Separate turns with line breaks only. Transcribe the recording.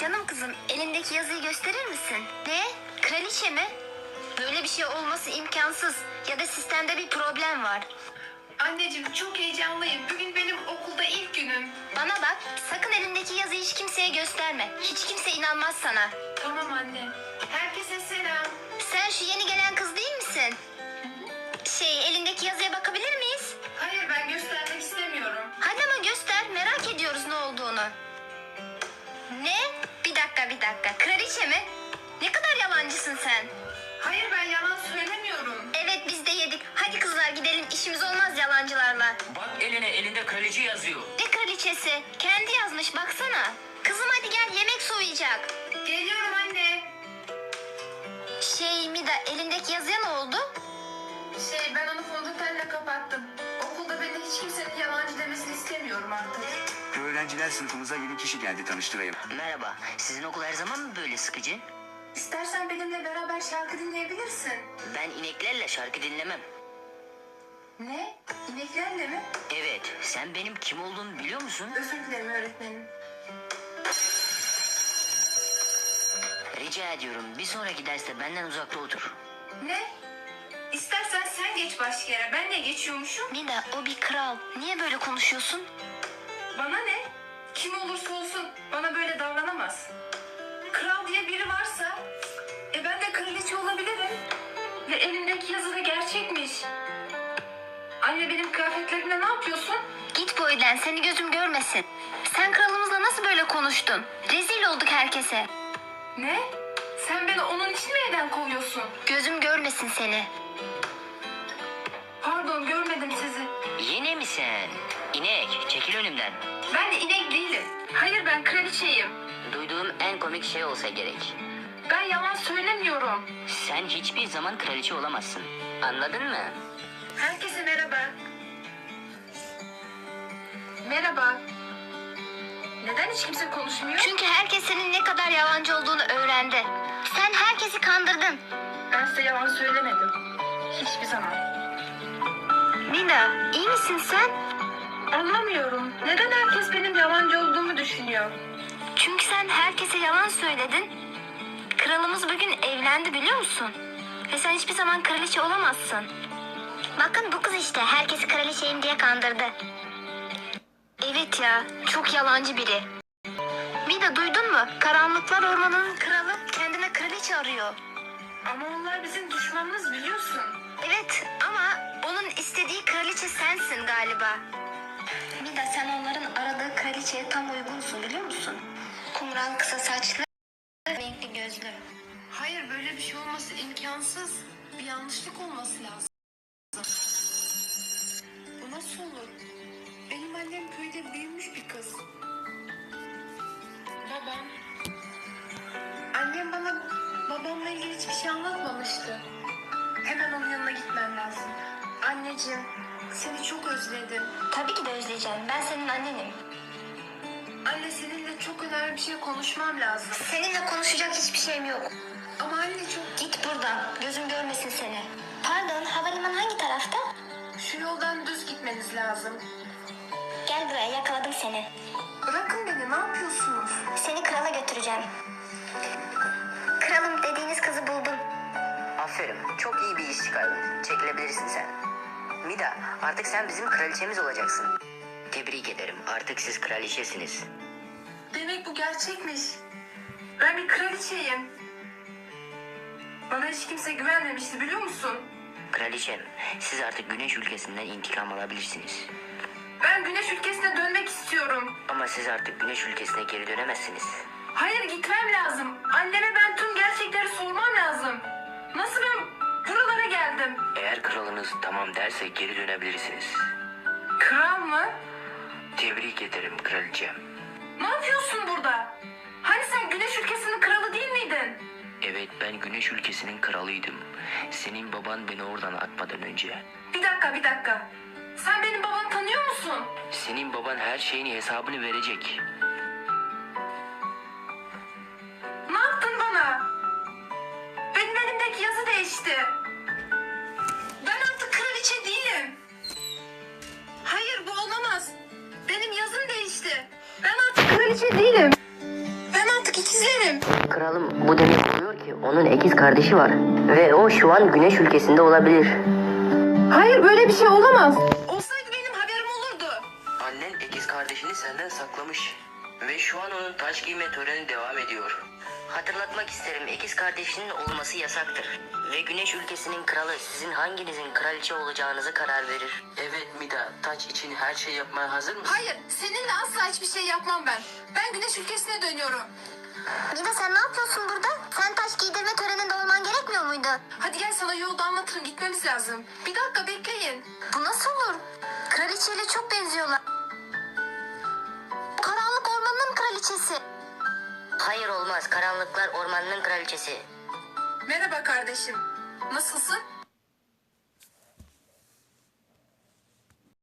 Canım kızım, elindeki yazıyı gösterir misin? Ne? Kraliçe mi? Böyle bir şey olması imkansız. Ya da sistemde bir problem var.
Anneciğim çok heyecanlıyım. Bugün benim okulda ilk günüm.
Bana bak, sakın elindeki yazıyı hiç kimseye gösterme. Hiç kimse inanmaz sana.
Tamam anne. Herkese selam.
Sen şu yeni gelen kız değil misin? Elindeki yazıya bakabilir miyiz?
Hayır ben göstermek istemiyorum.
Hadi ama göster, merak ediyoruz ne olduğunu. Ne? Bir dakika. Kraliçe mi? Ne kadar yalancısın sen.
Hayır ben yalan söylemiyorum.
Evet, biz de yedik. Hadi kızlar gidelim, işimiz olmaz yalancılarla.
Bak elinde kraliçe yazıyor.
Ne kraliçesi? Kendi yazmış, baksana. Kızım hadi gel, yemek soğuyacak.
Geliyorum anne.
Mida, elindeki yazıya ne oldu?
Ben onu fondötenle kapattım. Okulda beni hiç kimsenin yalancı demesini istemiyorum artık.
Öğrenciler sınıfımıza yeni kişi geldi, tanıştırayım.
Merhaba. Sizin okul her zaman mı böyle sıkıcı?
İstersen benimle beraber şarkı dinleyebilirsin.
Ben ineklerle şarkı dinlemem.
Ne? İneklerle mi?
Evet. Sen benim kim olduğumu biliyor musun?
Özür dilerim öğretmenim.
Rica ediyorum. Bir sonraki derste benden uzakta otur.
Ne? İstersen sen geç başka yere. Ben de geçiyormuşum.
Mida, o bir kral. Niye böyle konuşuyorsun?
Bana ne? Kim olursa olsun bana böyle davranamaz. Kral diye biri varsa ben de kraliçe olabilirim. Ve elimdeki yazı da gerçekmiş. Anne benim kıyafetlerimle ne yapıyorsun?
Git bu evden, seni gözüm görmesin. Sen kralımızla nasıl böyle konuştun? Rezil olduk herkese.
Ne? Sen beni onun için mi evden kovuyorsun?
Gözüm görmesin seni.
Pardon görmedim sizi.
Yine mi sen? İnek, çekil önümden.
Ben de inek değilim. Hayır ben kraliçeyim.
Duyduğum en komik şey olsa gerek.
Ben yalan söylemiyorum.
Sen hiçbir zaman kraliçe olamazsın. Anladın mı?
Herkese merhaba. Merhaba. Neden hiç kimse konuşmuyor?
Çünkü herkes senin ne kadar yalancı olduğunu öğrendi. Sen herkesi kandırdın.
Ben size yalan söylemedim. Hiçbir zaman.
Mida, iyi misin sen?
Anlamıyorum. Neden herkes benim yalancı olduğumu düşünüyor?
Çünkü sen herkese yalan söyledin. Kralımız bugün evlendi, biliyor musun? Ve sen hiçbir zaman kraliçe olamazsın. Bakın bu kız işte, herkesi kraliçeyim diye kandırdı. Evet ya, çok yalancı biri. Mida, duydun mu? Karanlıklar Ormanı'nın kralı kendine kraliçe arıyor.
Ama onlar bizim düşmanımız biliyorsun.
Evet ama onun istediği kraliçe sensin galiba. Mida, sen onların aradığı kraliçeye tam uygunsun, biliyor musun? Kumral kısa saçlı, renkli gözlü.
Hayır böyle bir şey olması imkansız. Bir yanlışlık olması lazım. Bu nasıl olur? Benim annem köyde büyümüş bir kız. Babam. Annem bana babamla ilgili hiçbir şey anlatmamıştı. Hemen onun yanına gitmem lazım. Anneciğim seni çok özledim.
Tabii ki de özleyeceğim. Ben senin annenim.
Anne seninle çok önemli bir şey konuşmam lazım.
Seninle konuşacak hiçbir şeyim yok.
Ama anne çok...
Git buradan. Gözüm görmesin seni. Pardon, havalimanı hangi tarafta?
Şu yoldan düz gitmeniz lazım.
Gel buraya, yakaladım seni.
Bırakın beni ne yapıyorsunuz?
Seni krala götüreceğim. Kralım dediğiniz kızı buldum.
Aferin. Çok iyi bir iş çıkardın. Çekilebilirsin sen. Mida, artık sen bizim kraliçemiz olacaksın. Tebrik ederim. Artık siz kraliçesiniz.
Demek bu gerçekmiş. Ben bir kraliçeyim. Bana hiç kimse güvenmemişti biliyor musun?
Kraliçem, siz artık güneş ülkesinden intikam alabilirsiniz.
Ben güneş ülkesine dönmek istiyorum.
Ama siz artık güneş ülkesine geri dönemezsiniz.
Hayır gitmem lazım. Anneme ben tüm gerçekleri sormam lazım. Nasıl ben buralara geldim?
Eğer kralınız tamam derse geri dönebilirsiniz.
Kral mı?
Tebrik ederim kraliçem.
Ne yapıyorsun burada? Hani sen güneş ülkesinin kralı değil miydin?
Evet, ben güneş ülkesinin kralıydım. Senin baban beni oradan atmadan önce.
Bir dakika. Sen benim babamı tanıyor musun?
Senin baban her şeyin hesabını verecek.
Ne yaptın bana? Benim elimdeki yazı değişti. Ben artık kraliçe değilim. Hayır bu olamaz. Benim yazım değişti. Ben artık kraliçe değilim. Ben artık ikiz
kralım bu demek oluyor ki onun ikiz kardeşi var. Ve o şu an Güneş ülkesinde olabilir.
Hayır, böyle bir şey olamaz. Olsaydı benim haberim olurdu.
Annen ikiz kardeşini senden saklamış. Ve şu an onun taç giyme töreni devam ediyor. Hatırlatmak isterim, ikiz kardeşinin olması yasaktır. Ve Güneş ülkesinin kralı sizin hanginizin kraliçe olacağınızı karar verir. Evet Mida, taç için her şey yapmaya hazır mısın?
Hayır, seninle asla hiçbir şey yapmam ben. Ben Güneş ülkesine dönüyorum.
Mida sen ne yapıyorsun burada? Sen taş giydirme töreninde olman gerekmiyor muydu?
Hadi gel, sana yolda anlatırım, gitmemiz lazım. Bir dakika bekleyin.
Bu nasıl olur? Kraliçeyle çok benziyorlar. Karanlık ormanın kraliçesi. Hayır olmaz. Karanlıklar ormanının kraliçesi.
Merhaba kardeşim. Nasılsın?